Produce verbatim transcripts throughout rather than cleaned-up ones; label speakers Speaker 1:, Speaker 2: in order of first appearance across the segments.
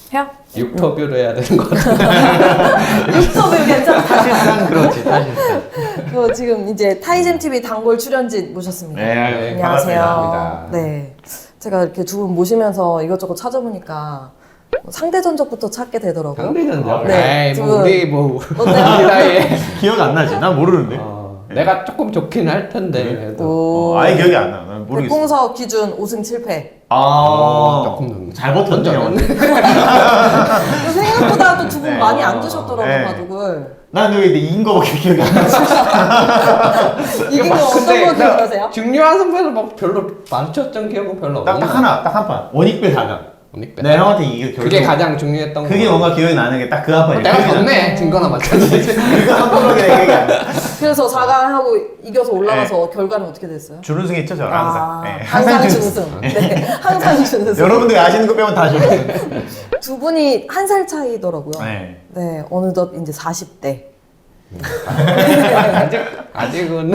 Speaker 1: 해요?
Speaker 2: 육터뷰를 해야 되는 것 같은데.
Speaker 1: 육터뷰 괜찮다.
Speaker 3: 사실상 그렇지, 사실상.
Speaker 1: 그 지금 이제 타이젠티비 단골 출연진 모셨습니다.
Speaker 3: 네,
Speaker 2: 네,
Speaker 1: 안녕하세요.
Speaker 2: 반갑습니다.
Speaker 1: 네, 제가 이렇게 두 분 모시면서 이것저것 찾아보니까 상대 전적부터 찾게 되더라고요.
Speaker 2: 상대전적?
Speaker 1: 네,
Speaker 2: 에이,
Speaker 1: 두
Speaker 2: 뭐
Speaker 1: 분.
Speaker 2: 우리 뭐
Speaker 1: 어때요?
Speaker 2: 우리 나이에
Speaker 3: 기억 안 나지? 난 모르는데.
Speaker 2: 어, 내가 조금 좋긴 할 텐데 그래도
Speaker 1: 오.
Speaker 3: 어, 아예 기억이 안 나. 난 모르겠어.
Speaker 1: 백공석 기준 오 승 칠 패.
Speaker 3: 아,
Speaker 2: 조금 좀
Speaker 3: 잘 버텼네요.
Speaker 1: 생각보다 또 두 분
Speaker 3: 네.
Speaker 1: 많이 안 드셨더라고요,
Speaker 3: 네.
Speaker 1: 바둑을.
Speaker 3: 난 여기 이긴 거밖에 기억이 안 나지.
Speaker 1: 이긴 거 어떤 거 기억나세요?
Speaker 2: 중요한 선수에서 막 별로 마주쳤던 기억은 별로
Speaker 3: 딱,
Speaker 2: 없는
Speaker 3: 딱 하나, 딱 한 판. 원익배 사강.
Speaker 2: 원익배.
Speaker 3: 내 형한테 이게 결국.
Speaker 2: 그게 가장 중요했던
Speaker 3: 그게
Speaker 2: 거.
Speaker 3: 뭔가 기억이 나는 게 딱 그 한 판이야.
Speaker 2: 내가 졌네. 증거나 마찬가지.
Speaker 3: 그거 한 번밖에 기억이 안 나.
Speaker 1: 그래서 사 강 하고 이겨서 올라가서 결과는 어떻게 됐어요?
Speaker 3: 준우승 했죠, 저는 항상.
Speaker 1: 아,
Speaker 3: 네,
Speaker 1: 항상
Speaker 3: 준우승.
Speaker 1: 준우승. 네, 항상 준우승.
Speaker 3: 여러분들이 아시는 거 빼면 다 준우승.
Speaker 1: 두 분이 한 살 차이더라고요.
Speaker 3: 네.
Speaker 1: 네, 어느덧 이제 사십 대.
Speaker 2: 아직 아직은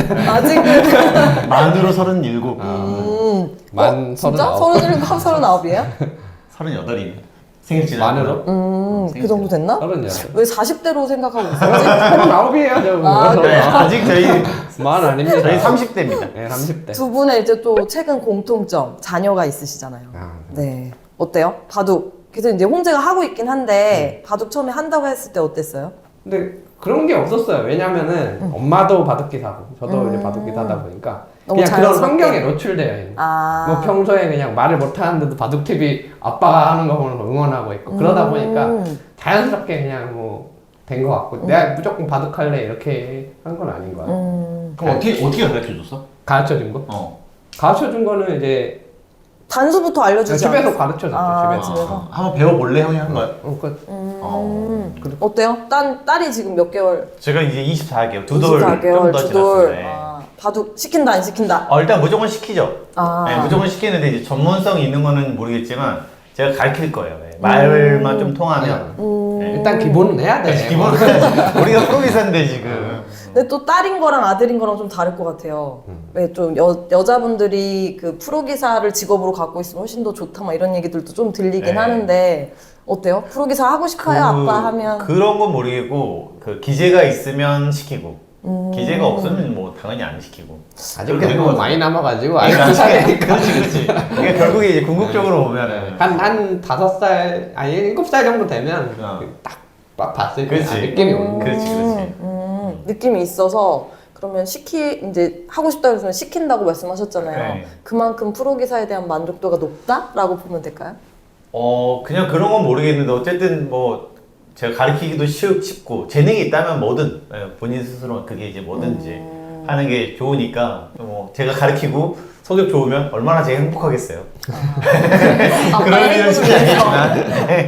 Speaker 1: 아직은
Speaker 3: 만으로 서른일곱.
Speaker 1: 음,
Speaker 2: 만
Speaker 1: 어, 진짜?
Speaker 2: 서른아홉.
Speaker 1: 서른일곱, 서른아홉이에요?
Speaker 3: 서른여덟이네. 생일 지나.
Speaker 2: 만으로?
Speaker 1: 음, 그 정도 됐나?
Speaker 2: 서른여덟.
Speaker 1: 왜 사십 대로 생각하고 있어요?
Speaker 2: 서른아홉이에요, 저.
Speaker 1: 아,
Speaker 3: 네, 아직 저희,
Speaker 2: 만 아닙니다.
Speaker 3: 저희 삼십 대입니다.
Speaker 2: 네, 삼십 대.
Speaker 1: 두 분의 이제 또 최근 공통점, 자녀가 있으시잖아요.
Speaker 2: 아,
Speaker 1: 네. 어때요? 바둑. 그래서 이제 홍재가 하고 있긴 한데, 바둑 처음에 한다고 했을 때 어땠어요?
Speaker 2: 근데 그런 게 없었어요. 왜냐면은 엄마도 바둑기사고 저도
Speaker 1: 음.
Speaker 2: 이제 바둑기사다 보니까
Speaker 1: 너무
Speaker 2: 그냥 그런
Speaker 1: 자연스럽게.
Speaker 2: 환경에 노출되어 있는.
Speaker 1: 아.
Speaker 2: 뭐 평소에 그냥 말을 못 하는데도 바둑티비 아빠가 하는 거 보면서 응원하고 있고 그러다 보니까
Speaker 1: 음.
Speaker 2: 자연스럽게 그냥 뭐 된 것 같고 내가 무조건 바둑할래 이렇게 한 건 아닌 것 같아요.
Speaker 1: 음.
Speaker 3: 그럼 어떻게, 어떻게 가르쳐 줬어?
Speaker 2: 가르쳐 준 거?
Speaker 3: 어.
Speaker 2: 가르쳐 준 거는 이제
Speaker 1: 단수부터 알려주지
Speaker 2: 집에서
Speaker 1: 않았어요?
Speaker 2: 가르쳐 줬죠.
Speaker 1: 아,
Speaker 2: 집에서.
Speaker 1: 집에서?
Speaker 3: 한번 배워볼래? 형이 한 거야?
Speaker 2: 어, 그,
Speaker 1: 음.
Speaker 3: 어.
Speaker 1: 어때요? 딸, 딸이 지금 몇 개월?
Speaker 3: 제가 이제 이십사 개월, 두 돌
Speaker 1: 이십사 개월,
Speaker 3: 좀더
Speaker 1: 두 돌.
Speaker 3: 지났어요.
Speaker 1: 아, 바둑 시킨다, 안 시킨다?
Speaker 3: 어, 일단 무조건 시키죠.
Speaker 1: 아.
Speaker 3: 네, 무조건 시키는데 이제 전문성이 있는 거는 모르겠지만 제가 가르칠 거예요. 네. 말만 좀 통하면.
Speaker 1: 음.
Speaker 3: 네.
Speaker 2: 일단 기본은 해야 돼.
Speaker 3: 기본은 우리가 프로기사인데 지금.
Speaker 1: 근데 또 딸인 거랑 아들인 거랑 좀 다를 것 같아요. 왜 좀 여자분들이 그 프로기사를 직업으로 갖고 있으면 훨씬 더 좋다 막 이런 얘기들도 좀 들리긴
Speaker 3: 네.
Speaker 1: 하는데 어때요? 프로기사 하고 싶어요? 아빠 하면?
Speaker 3: 그런 건 모르겠고 그 기재가 있으면 시키고
Speaker 1: 음.
Speaker 3: 기재가 없으면 뭐 당연히 안 시키고.
Speaker 2: 아직
Speaker 3: 그렇게 된
Speaker 2: 뭐
Speaker 3: 것 같아요.
Speaker 2: 많이 남아가지고
Speaker 3: 아니,
Speaker 2: 아직도 사니까.
Speaker 3: 그렇지, 그렇지. 그러니까 결국에 이제 궁극적으로 보면은
Speaker 2: 한, 한 다섯 살, 아니, 일곱 살 정도 되면
Speaker 3: 어.
Speaker 2: 딱, 딱 봤을 때
Speaker 3: 그렇지.
Speaker 2: 아, 느낌이
Speaker 1: 음.
Speaker 2: 오는 거야.
Speaker 3: 그렇지, 그렇지.
Speaker 1: 음, 느낌이 있어서 그러면 시키 이제 하고 싶다 그러면 시킨다고 말씀하셨잖아요.
Speaker 3: 네.
Speaker 1: 그만큼 프로기사에 대한 만족도가 높다라고 보면 될까요?
Speaker 3: 어 그냥 그런 건 모르겠는데 어쨌든 뭐 제가 가르치기도 쉽, 쉽고 재능이 있다면 뭐든 예, 본인 스스로 그게 이제 뭐든지
Speaker 1: 음.
Speaker 3: 하는 게 좋으니까 뭐 제가 가르치고 성적 좋으면 얼마나 제가 행복하겠어요. 그런 일은 쉽지 않겠지만 네.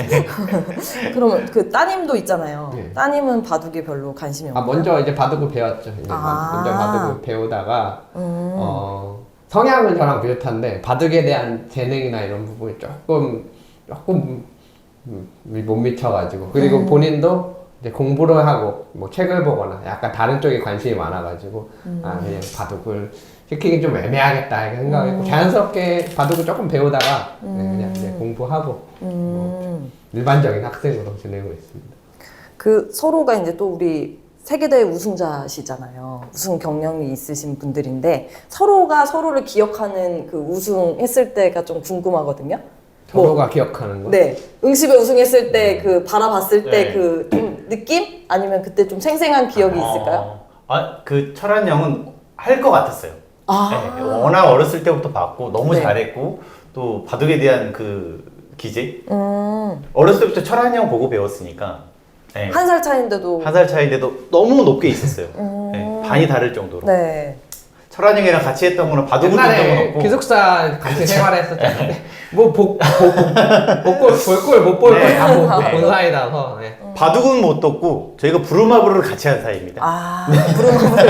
Speaker 1: 그러면 그 따님도 있잖아요.
Speaker 2: 네.
Speaker 1: 따님은 바둑에 별로 관심이
Speaker 2: 아,
Speaker 1: 없나요?
Speaker 2: 먼저 이제 바둑을 배웠죠. 이제
Speaker 1: 아.
Speaker 2: 먼저 바둑을 배우다가,
Speaker 1: 음.
Speaker 2: 어, 성향은 저랑 비슷한데, 바둑에 대한 재능이나 이런 부분이 조금, 조금 음, 못 미쳐가지고. 그리고
Speaker 1: 음.
Speaker 2: 본인도 이제 공부를 하고, 뭐 책을 보거나 약간 다른 쪽에 관심이 많아가지고, 아, 그냥 바둑을 시키긴 좀 애매하겠다 이렇게 생각했고,
Speaker 1: 음.
Speaker 2: 자연스럽게 바둑을 조금 배우다가, 네,
Speaker 1: 음.
Speaker 2: 그냥 이제 공부하고,
Speaker 1: 음.
Speaker 2: 일반적인 학생으로 지내고 있습니다.
Speaker 1: 그 서로가 이제 또 우리 세계대회 우승자시잖아요. 우승 경력이 있으신 분들인데 서로가 서로를 기억하는 그 우승했을 때가 좀 궁금하거든요.
Speaker 2: 서로가 기억하는 거.
Speaker 1: 네, 응시배 우승했을 때 그 바라봤을 때
Speaker 3: 네.
Speaker 1: 그 좀 느낌? 아니면 그때 좀 생생한 기억이 있을까요?
Speaker 3: 어, 아, 그 철한 형은 할 것 같았어요.
Speaker 1: 아,
Speaker 3: 네, 워낙 어렸을 때부터 봤고 너무
Speaker 1: 네.
Speaker 3: 잘했고 또 바둑에 대한 그 기재
Speaker 1: 음,
Speaker 3: 어렸을 때부터 철한 형 보고 배웠으니까 네.
Speaker 1: 한 살 차인데도
Speaker 3: 한 살 차이인데도 너무 높게 있었어요.
Speaker 1: 음.
Speaker 3: 네, 반이 다를 정도로.
Speaker 1: 네.
Speaker 3: 철한 형이랑 같이 했던 거는 바둑을 본 적은
Speaker 2: 옛날에
Speaker 3: 없고.
Speaker 2: 기숙사 같이 생활했었잖아요. 뭐복복 볼골 볼골 못볼골
Speaker 3: 네.
Speaker 2: 다본 사이라서. 네.
Speaker 3: 바둑은 못 떴고 저희가 부루마블을 같이 한 사이입니다.
Speaker 1: 아, 부르마블.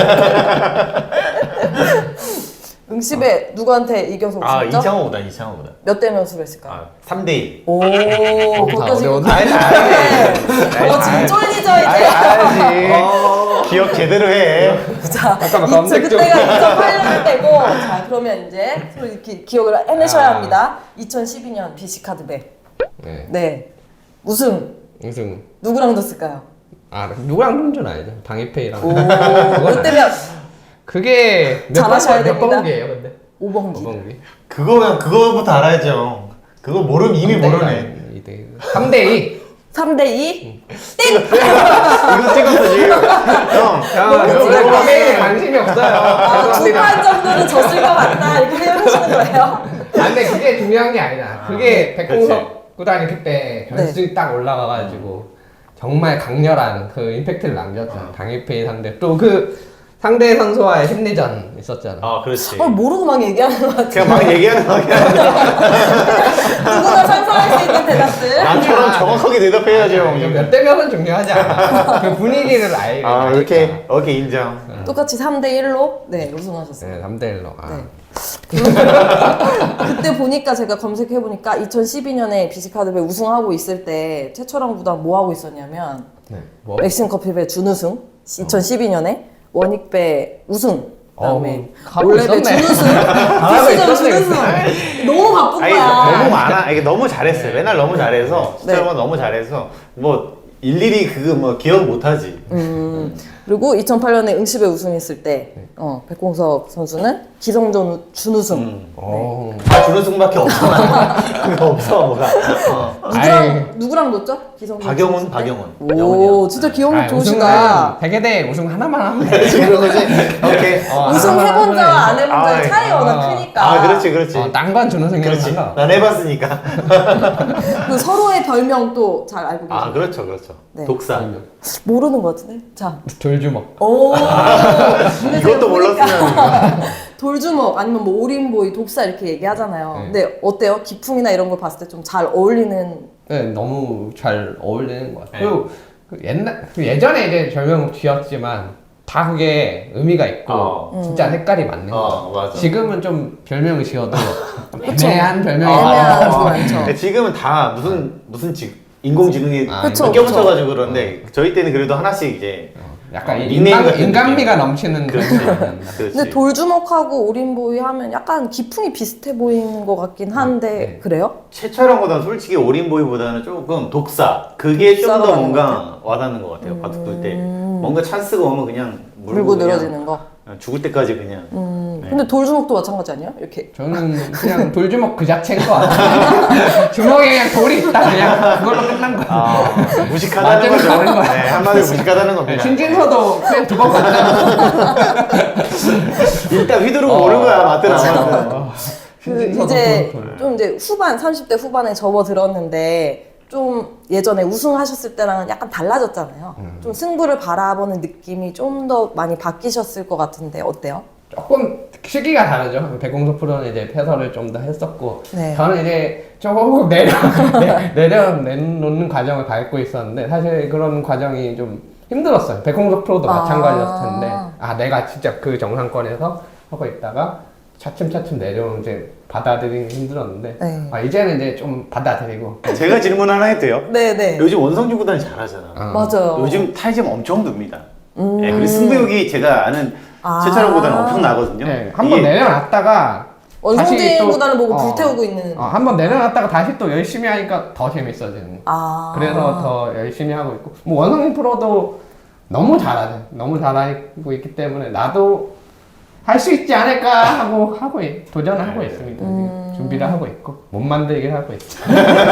Speaker 1: 응시배 누구한테 이겨서
Speaker 3: 아,
Speaker 1: 우승했죠?
Speaker 3: 이창호보다 이창호보다.
Speaker 1: 몇 대 몇으로 했을까요?
Speaker 3: 아, 삼 대 일.
Speaker 1: 오,
Speaker 2: 다
Speaker 1: 거기까지.
Speaker 2: 어려운데.
Speaker 3: 아니,
Speaker 1: 네.
Speaker 3: 아니.
Speaker 1: 어, 지금 쫄리죠, 이제?
Speaker 3: 알지.
Speaker 2: 어.
Speaker 3: 기억 제대로 해.
Speaker 1: 자,
Speaker 2: 잠깐만,
Speaker 1: 이-
Speaker 2: 검색 좀.
Speaker 1: 그때가 이천팔 년 때고, 자, 그러면 이제 서로 이렇게 기억을 해내셔야
Speaker 2: 아.
Speaker 1: 합니다. 이천십이 년 비씨카드배.
Speaker 2: 네.
Speaker 1: 네. 우승
Speaker 2: 우승.
Speaker 1: 누구랑 뒀을까요?
Speaker 2: 아 누구랑 그런 줄 알죠. 당일페이랑.
Speaker 1: 오,
Speaker 2: 그건
Speaker 1: 롯데면
Speaker 2: 그게 몇
Speaker 1: 잘하셔야
Speaker 2: 번- 몇
Speaker 1: 됩니다.
Speaker 2: 번기예요, 근데?
Speaker 1: 오번기.
Speaker 2: 오번기.
Speaker 3: 그거 그거부터 알아야죠. 그거 모르면 이미 모르네.
Speaker 2: 삼 대 이.
Speaker 1: 삼 대 이?
Speaker 3: 이거 찍었어 지금. 형,
Speaker 2: 형,
Speaker 1: 너무
Speaker 2: 저는
Speaker 1: 찍어요.
Speaker 2: 카페에 관심이 없어요.
Speaker 1: 아, 두
Speaker 2: 죄송합니다.
Speaker 1: 판 정도는 졌을 것 같다 이렇게 생각하시는 거예요?
Speaker 2: 아, 근데 그게 중요한 게 아니다. 그게
Speaker 3: 그치.
Speaker 2: 백공석 구단이 그때 결승 딱 올라가가지고 정말 강렬한 그 임팩트를 남겼잖아. 당일페이 상대. 또 그 상대 선수와의 심리전 있었잖아.
Speaker 3: 아 그렇지.
Speaker 1: 어, 모르고 막 얘기하는 것 같아.
Speaker 3: 그냥 막 얘기하는 거 그냥
Speaker 1: 누구나 상상할 수 있는 대답들.
Speaker 3: 나처럼 정확하게 대답해야죠. 형.
Speaker 2: 몇 대 몇은 중요하지 않아. 그 분위기를 알게.
Speaker 3: 아 이렇게 오케이 인정.
Speaker 1: 똑같이 삼 대 일로 네 우승하셨어요.
Speaker 2: 네, 삼 대 일로. 아.
Speaker 1: 네. 그때 보니까 제가 검색해 보니까 이천십이 년에 비시카드배 우승하고 있을 때 최철원 구단 뭐 하고 있었냐면
Speaker 2: 네. 뭐?
Speaker 1: 엑슨 커피배 준우승 이천십이 년에 원익배 우승 그다음에
Speaker 2: 어, 가고
Speaker 1: 올레배
Speaker 2: 있었네.
Speaker 1: 준우승
Speaker 2: 잘하고
Speaker 1: 디스전
Speaker 2: 있었네.
Speaker 1: 준우승 너무 바쁜
Speaker 3: 아니
Speaker 1: 거야.
Speaker 3: 너무 많아. 이게 너무 잘했어요. 맨날 너무 잘해서 진짜
Speaker 1: 네.
Speaker 3: 뭐 너무 잘해서 뭐 일일이 그거 뭐 기억 못하지.
Speaker 1: 음, 그리고 이천팔 년에 응시배 우승했을 때 어, 백공석 선수는 기성전 우- 준우승.
Speaker 3: 음.
Speaker 2: 어.
Speaker 3: 아 준우승밖에 없잖아. 그거 없어 뭐가. 어.
Speaker 1: 누구랑
Speaker 2: 아이.
Speaker 1: 누구랑 놓죠? 기성전
Speaker 3: 박영훈,
Speaker 1: 준우승 때?
Speaker 3: 박영훈.
Speaker 1: 오,
Speaker 3: 영훈이요.
Speaker 1: 진짜 기억력
Speaker 2: 아,
Speaker 1: 좋으시다.
Speaker 2: 우승은 세계대회 우승 하나만 하면 돼.
Speaker 3: 지금 거지. 오케이.
Speaker 2: 어,
Speaker 1: 우승
Speaker 2: 하나만
Speaker 1: 해본
Speaker 2: 하면
Speaker 1: 자와 안
Speaker 2: 돼.
Speaker 1: 해본
Speaker 3: 아,
Speaker 1: 자의 차이가
Speaker 2: 아,
Speaker 1: 워낙 크니까.
Speaker 3: 아 그렇지 그렇지.
Speaker 2: 어, 딴건 준우승이
Speaker 3: 그렇지.
Speaker 2: 달라.
Speaker 3: 난 해봤으니까.
Speaker 1: 그 서로의 별명도 잘 알고 계세요.
Speaker 3: 아 그렇죠 그렇죠.
Speaker 1: 네.
Speaker 3: 독사.
Speaker 1: 모르는 것 같은데. 자,
Speaker 2: 돌주먹.
Speaker 1: 오. 근데 제가
Speaker 3: 이것도
Speaker 1: 보니까
Speaker 3: 몰랐으면.
Speaker 1: 돌주먹 아니면 뭐 오림보이, 독사 이렇게 얘기하잖아요.
Speaker 2: 네.
Speaker 1: 근데 어때요? 기풍이나 이런 걸 봤을 때 좀 잘 어울리는.
Speaker 2: 네, 너무 잘 어울리는 것 같아요.
Speaker 3: 네.
Speaker 2: 그리고 그 옛날 그 예전에 이제 별명 지었지만 다 그게 의미가 있고
Speaker 3: 어.
Speaker 2: 진짜 색깔이 맞는 거.
Speaker 3: 어 맞아.
Speaker 2: 지금은 좀 별명을 지어도 좀
Speaker 1: 그쵸.
Speaker 2: 애매한 별명이
Speaker 1: 애매한
Speaker 2: 많아요.
Speaker 1: 거 많죠.
Speaker 3: 근데 지금은 다 무슨 무슨 지, 인공지능이
Speaker 2: 아,
Speaker 1: 그쵸,
Speaker 3: 껴붙여가지고 그런데 저희 때는 그래도 하나씩 이제
Speaker 2: 약간
Speaker 3: 어,
Speaker 2: 이
Speaker 3: 닉네임
Speaker 2: 인간,
Speaker 3: 같은
Speaker 2: 인간미가
Speaker 3: 느낌.
Speaker 2: 넘치는 그런
Speaker 3: 그렇지.
Speaker 2: 별명이었나.
Speaker 3: 그렇지.
Speaker 1: 근데 돌주먹하고 오림보이 하면 약간 기풍이 비슷해 보이는 것 같긴 한데
Speaker 2: 네.
Speaker 1: 그래요?
Speaker 3: 최철원보다는 솔직히 오린보이보다는 조금 독사 그게 좀
Speaker 1: 독사가
Speaker 3: 더
Speaker 1: 맞는 것
Speaker 3: 뭔가 와닿는 것 같아요. 바둑 둘 때 뭔가 찬스가 오면 그냥 물고,
Speaker 1: 물고
Speaker 3: 그냥
Speaker 1: 늘어지는 거.
Speaker 3: 죽을 때까지 그냥
Speaker 1: 음.
Speaker 3: 네.
Speaker 1: 근데 돌주먹도 마찬가지 아니에요? 이렇게.
Speaker 2: 저는 그냥 돌주먹 그 자체인 것 같아요. 주먹에 그냥 돌이 있다 그냥 그걸로 끝난 거야.
Speaker 3: 아, 무식하다는
Speaker 2: 맞으면
Speaker 3: 거죠.
Speaker 2: 되는 거야.
Speaker 3: 네, 한마디로 무식하다는 겁니다.
Speaker 2: 신진서도 그냥 두 번 맞잖아.
Speaker 3: 일단 휘두르고
Speaker 2: 어.
Speaker 3: 오는 거야 맞든 안 맞든.
Speaker 2: 어.
Speaker 1: 그
Speaker 2: 신진서도
Speaker 1: 이제
Speaker 2: 돌, 돌.
Speaker 1: 좀 이제 후반 삼십 대 후반에 접어들었는데 좀 예전에 우승하셨을 때랑은 약간 달라졌잖아요.
Speaker 2: 음.
Speaker 1: 좀 승부를 바라보는 느낌이 좀 더 많이 바뀌셨을 것 같은데 어때요?
Speaker 2: 조금 시기가 다르죠. 백공석 프로는 이제 패설을 좀 더 했었고
Speaker 1: 네.
Speaker 2: 저는 이제 조금 내려 내- 내려 내놓는 과정을 밟고 있었는데 사실 그런 과정이 좀 힘들었어요. 백공석 프로도
Speaker 1: 아.
Speaker 2: 마찬가지였을 텐데 아 내가 진짜 그 정상권에서 하고 있다가 차츰차츰 내려오는 이제 받아들이기 힘들었는데
Speaker 1: 네.
Speaker 2: 아, 이제는 이제 좀 받아들이고
Speaker 3: 제가 질문 하나 해도 돼요?
Speaker 1: 네네.
Speaker 3: 요즘 원성주 구단이 잘하잖아.
Speaker 2: 어.
Speaker 1: 맞아요.
Speaker 3: 요즘 타이점 엄청 듭니다.
Speaker 1: 음.
Speaker 3: 네, 그리고 승부욕이 제가 아는
Speaker 1: 아.
Speaker 3: 최철원 구단은 엄청 나거든요.
Speaker 2: 네, 한번
Speaker 3: 이게
Speaker 2: 내려놨다가
Speaker 1: 원성진
Speaker 2: 다시 또-
Speaker 1: 구단을 보고
Speaker 2: 어,
Speaker 1: 불태우고 있는.
Speaker 2: 어, 한번 내려놨다가 다시 또 열심히 하니까 더 재밌어지는
Speaker 1: 아.
Speaker 2: 그래서 더 열심히 하고 있고 뭐 원성민 프로도 너무 잘하죠. 너무 잘하고 있기 때문에 나도 할 수 있지 않을까 하고 하고 있- 도전을 하고 있습니다.
Speaker 1: 음.
Speaker 2: 준비를 하고 있고 못 만들기를 하고 있죠.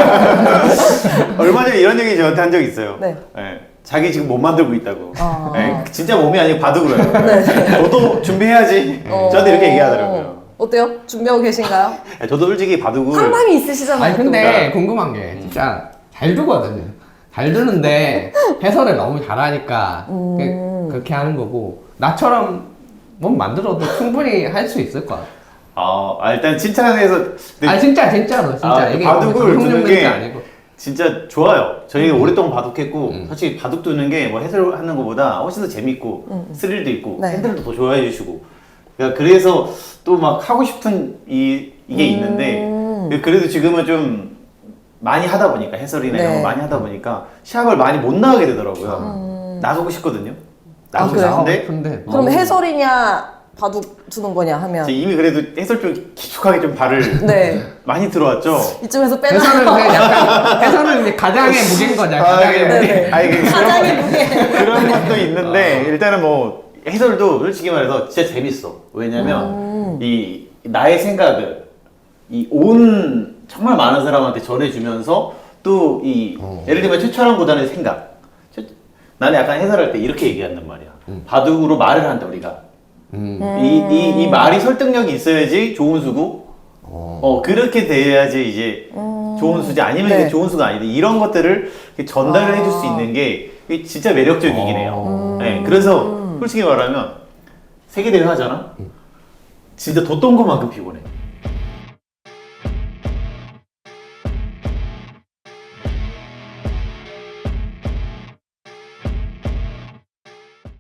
Speaker 3: 얼마 전에 이런 얘기 저한테 한 적 있어요.
Speaker 1: 네.
Speaker 3: 네, 자기 지금 못 만들고 있다고.
Speaker 1: 아.
Speaker 3: 네, 진짜 몸이 아니고 바둑으로 해요.
Speaker 1: 네.
Speaker 3: 저도 준비해야지.
Speaker 1: 어.
Speaker 3: 저한테 이렇게 얘기하더라고요.
Speaker 1: 어때요? 준비하고 계신가요?
Speaker 3: 네, 저도 솔직히 바둑을
Speaker 1: 상당히 있으시잖아요.
Speaker 2: 아니
Speaker 1: 또.
Speaker 2: 근데 궁금한 게 진짜 잘 두거든요. 잘 두는데 해설을 너무 잘하니까
Speaker 1: 음.
Speaker 2: 그, 그렇게 하는 거고 나처럼 못 만들어도 충분히 할 수 있을 거야.
Speaker 3: 아, 아, 일단 칭찬해서 근데
Speaker 2: 아니 진짜 진짜로 진짜
Speaker 3: 아,
Speaker 2: 이게
Speaker 3: 바둑을
Speaker 2: 방송
Speaker 3: 두는
Speaker 2: 용도는
Speaker 3: 게
Speaker 2: 아니고.
Speaker 3: 진짜 좋아요. 저희가
Speaker 2: 음.
Speaker 3: 오랫동안 바둑했고
Speaker 2: 음.
Speaker 3: 솔직히 바둑 두는 게 뭐 해설하는 것보다 훨씬 더 재밌고
Speaker 1: 음.
Speaker 3: 스릴도 있고
Speaker 1: 네.
Speaker 3: 팬들도 더 좋아해 주시고 그러니까 그래서 또 막 하고 싶은 이 이게 있는데
Speaker 1: 음.
Speaker 3: 그래도 지금은 좀 많이 하다 보니까 해설이나 이런
Speaker 1: 네.
Speaker 3: 거 많이 하다 보니까 시합을 많이 못 나가게 되더라고요.
Speaker 1: 음.
Speaker 3: 나가고 싶거든요.
Speaker 1: 아,
Speaker 3: 나가고
Speaker 1: 그래요?
Speaker 3: 싶은데
Speaker 2: 근데
Speaker 1: 그럼
Speaker 2: 너무-
Speaker 1: 해설이냐 바둑 두는 거냐 하면
Speaker 3: 제 이미 그래도 해설 쪽 기축하게 좀 발을
Speaker 1: 네
Speaker 3: 많이 들어왔죠.
Speaker 1: 이쯤에서
Speaker 2: 해설은
Speaker 1: 빼나요?
Speaker 2: 그냥 약간 해설은 이제 가장의 무게인 거죠.
Speaker 3: 아,
Speaker 2: 가장의
Speaker 3: 예.
Speaker 2: 무게.
Speaker 3: 아, 이게
Speaker 1: 가장의 무게.
Speaker 3: 그런 것도 있는데 일단은 뭐 해설도 솔직히 말해서 진짜 재밌어. 왜냐면
Speaker 1: 음.
Speaker 3: 이 나의 생각을 이 온 정말 많은 사람한테 전해주면서 또 이
Speaker 2: 어.
Speaker 3: 예를 들면 최철원 구단의 생각. 최- 나는 약간 해설할 때 이렇게 얘기한단 말이야. 바둑으로 말을 한다 우리가.
Speaker 2: 음.
Speaker 3: 이, 이, 이 말이 설득력이 있어야지 좋은 수고.
Speaker 2: 어.
Speaker 3: 어 그렇게 돼야지 이제 좋은 수지 아니면
Speaker 1: 네.
Speaker 3: 이제 좋은 수가 아닌데 이런 것들을 이렇게 전달을
Speaker 1: 아.
Speaker 3: 해줄 수 있는 게 이게 진짜 매력적이긴 해요.
Speaker 2: 어.
Speaker 3: 네, 그래서 솔직히 말하면 세계 대회 하잖아. 진짜 뒀던 것만큼 피곤해.